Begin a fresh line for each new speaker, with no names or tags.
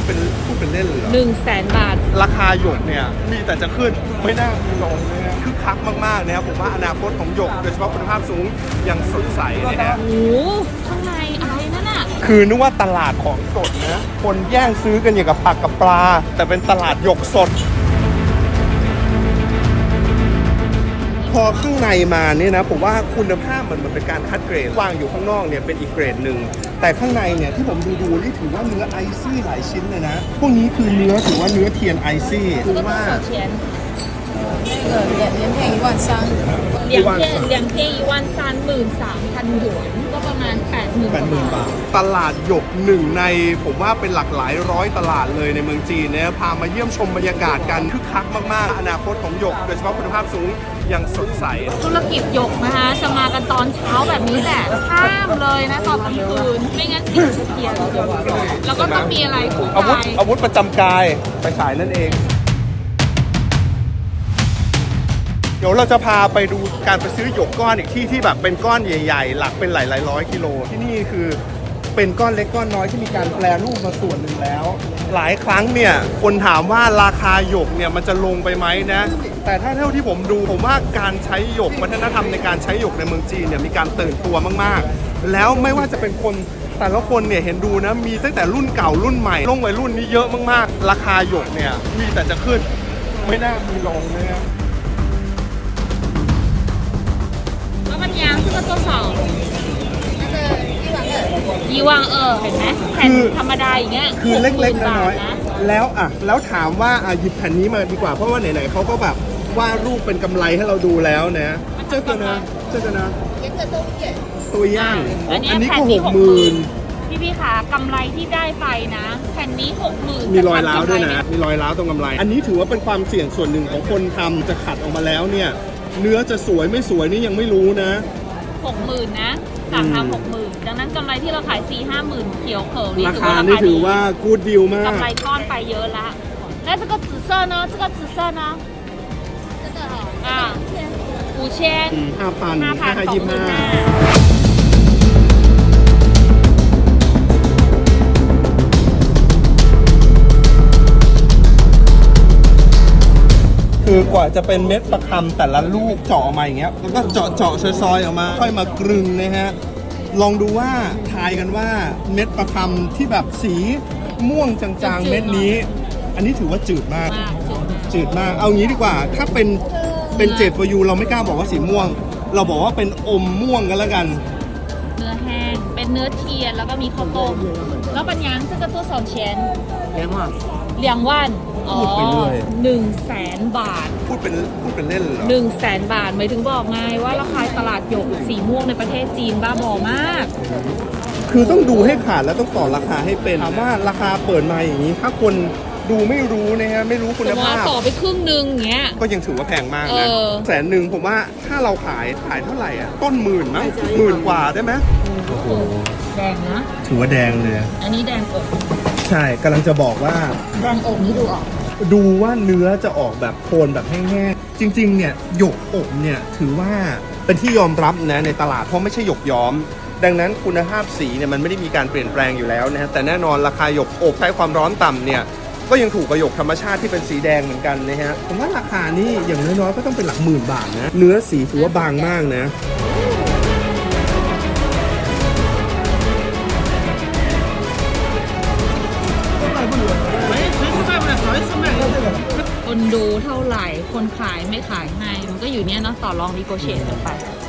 เป็นเล่นเหรอ
100,000 บาท
ราคาหยกเนี่ยมีแต่จะขึ้นไม่น่ามีลงนะฮะคึกคักมากๆนะครับผมว่าอนาคตของหยกโดยเฉพาะคุณภาพสูงยังสดใสนะฮะ
โอ้ข้างในอะไรนั่นน่ะ
คือนึกว่าตลาดของสดนะคนแย่งซื้อกันอย่างกับผักกับปลาแต่เป็นตลาดหยกสดพอข้างในมาเนี่ยนะผมว่าคุณภาพมันเป็นการคัดเกรดวางอยู่ข้างนอกเนี่ยเป็นอีกเกรดหนึ่งแต่ข้างในเนี่ยที่ผมดูนี่ถือว่าเนื้อไอซี่หลายชิ้นเลยนะพวกนี้คือเนื้อถือว่าเนื้อเทียนไอซี่คือว่า
2,300หยวนก็ประมาณ80,000 บาท
ตลาดหยกหนึ่งในผมว่าเป็นหลักหลายร้อยตลาดเลยในเมืองจีนเนี่ยพามาเยี่ยมชมบรรยากาศกันคึกคักมากๆอนาคตของหยกโดยเฉพาะคุณภาพสูงยังสดใส
ธุรกิจหยกนะคะจะมากันตอนเช้าแบบนี้แหละห้ามเลยนะตอนกลางคืนไม่งั้นติดเทียนแล้วก็ต้องมีอะไรคู่กาย
อาวุธประจำกายไปขายนั่นเองเดี๋ยวเราจะพาไปดูการไปซื้อหยกก้อนอีกที่แบบเป็นก้อนใหญ่ๆหลักเป็นหลายร้อยกิโลที่นี่คือเป็นก้อนเล็กก้อนน้อยที่มีการแปรรูปมาส่วนหนึ่งแล้วหลายครั้งเนี่ยคนถามว่าราคาหยกเนี่ยมันจะลงไปไหมนะแต่ถ้าเท่าที่ผมดูผมว่าการใช้หยกวัฒนธรรมในการใช้หยกในเมืองจีนเนี่ยมีการตื่นตัวมากๆแล้วไม่ว่าจะเป็นคนแต่ละคนเนี่ยเห็นดูนะมีตั้งแต่รุ่นเก่ารุ่นใหม่ลงวัยรุ่นนี่เยอะมากๆราคาหยกเนี่ยมีแต่จะขึ้นไม่น่ามีลงเลยนะ
这个多少12000เห็นไหมแผ่นธรรมดาอย่างเงี้ย
คือเล็กๆน้อยๆแล้วถามว่าหยิบแผ่นนี้มาดีกว่าเพราะว่าไหนๆเขาก็แบบวาดรูปเป็นกำไรให้เราดูแล้วนะเจ้ากันนะตัวย่างอันนี้ก็60,000
พี่ขากำไรที่ได้ไปนะแผ่นนี้60,000
มีรอยร้าวด้วยนะมีรอยร้าวตรงกำไรอันนี้ถือว่าเป็นความเสี่ยงส่วนหนึ่งของคนทำจะขัดออกมาแล้วเนี่ยเนื้อจะสวยไม่สวยนี่ยังไม่รู้นะ
60,000นะสั่งทำ60,000ดังนั้นกำไรที่เราขาย 4-5,000เขียวเขิวนี่
ราคานี่ถือว่ากู๊ดดีลมาก
กำไรก้อนไปเยอะละแล้ว这个紫色呢这个紫色呢这个啊5,000
คือกว่าจะเป็นเม็ดประคำแต่ละลูกเจาะออกมาอย่างเงี้ยแล้วก็เจาะซอยๆออกมาค่อยมากรึงนะฮะลองดูว่าทายกันว่าเม็ดประคำที่แบบสีม่วงจางๆเม็ดนี้อันนี้ถือว่าจืดมากเอางี้ดีกว่าถ้าเป็นเจดฟอยูเราไม่กล้าบอกว่าสีม่วงเราบอกว่าเป็นอมม่วงกันแล้วกัน
เนื้อแห้งเป็นเนื้อเทียนแล้วก็มีข้าวต้มแล้วปัญญา这个多少钱2,000
พูดไปเรื่อย
100,000 บาท
พูดเป็นเล่นเหรอ
100,000 บาทหมายถึงบอกไงว่าราคาตลาดหยกสีม่วงในประเทศจีนบ้าบอมาก
คือต้องดูให้ขาดแล้วต้องต่อราคาให้เป็นถามว่าราคาเปิดมาอย่างนี้ถ้าคนดูไม่รู้นะฮะไม่รู้คุณภาพ
ต่อไปครึ่งนึงอย่างเงี้ย
ก็ยังถือว่าแพงมากนะ100,000ผมว่าถ้าเราขายเท่าไหร่อ่ะต้น10,000มั้ง10,000 กว่าได้ไหม
โอ้โหแดงนะ
ถือว่าแดงเลย
อันนี้แดงอก
ใช่กำลังจะบอกว่า
แดงอกนี้
ดูว่าเนื้อจะออกแบบโทนแบบแห้งๆจริงๆเนี่ยหยกอบเนี่ยถือว่าเป็นที่ยอมรับนะในตลาดเพราะไม่ใช่หยกย้อมดังนั้นคุณภาพสีเนี่ยมันไม่ได้มีการเปลี่ยนแปลงอยู่แล้วนะฮะแต่แน่นอนราคาหยกอบใช้ความร้อนต่ำเนี่ยก็ยังถูกกับหยกธรรมชาติที่เป็นสีแดงเหมือนกันนะฮะผมว่าราคานี่อย่างน้อยๆก็ต้องเป็นหลักหมื่นบาทนะเนื้อสีถือว่าบางมากนะ
คนดูเท่าไหร่คนขายไม่ขายให้มันก็อยู่เนี้ยเนาะต่อรองดีโกเชตกันไป